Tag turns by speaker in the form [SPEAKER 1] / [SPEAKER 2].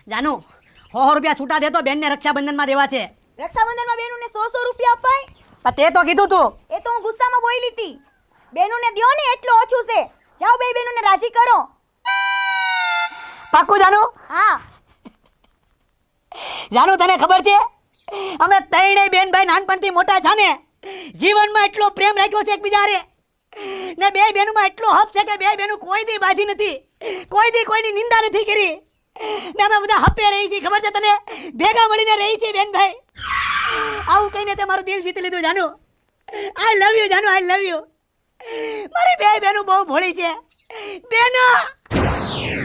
[SPEAKER 1] જાનુ 100 રૂપિયા છૂટા દે તો બેનને રક્ષાબંધનમાં દેવા છે.
[SPEAKER 2] રક્ષાબંધનમાં બેનુને 100 રૂપિયા અપાય?
[SPEAKER 1] પણ તે તો કીધું તું.
[SPEAKER 2] એ તો હું ગુસ્સામાં બોલી હતી. બેનુને દ્યો ને એટલું ઓછું છે. જાઓ બે બેનુને રાજી કરો.
[SPEAKER 1] પાક્કું જાનુ?
[SPEAKER 2] હા.
[SPEAKER 1] જાનુ તને ખબર છે અમે ત્રણેય બેન ભાઈ નાનપણથી મોટા છે ને જીવનમાં એટલો પ્રેમ રાખ્યો છે એકબીજા હારે ને બે બેનુમાં એટલો હક છે કે બે બેનું કોઈ દી બાજી નથી, કોઈ દી કોઈની નિંદા નથી કરી ને અમે બધા હપે રહી છીએ. ખબર છે તને? ભેગા મળીને રહી છીએ બેન ભાઈ. આવું કહીને તે મારું દિલ જીતી લીધું જાનુ. આઈ લવ યુ જાનુ, આઈ લવ યુ. મારી બે બેનું બહુ ભોળી છે બેનો.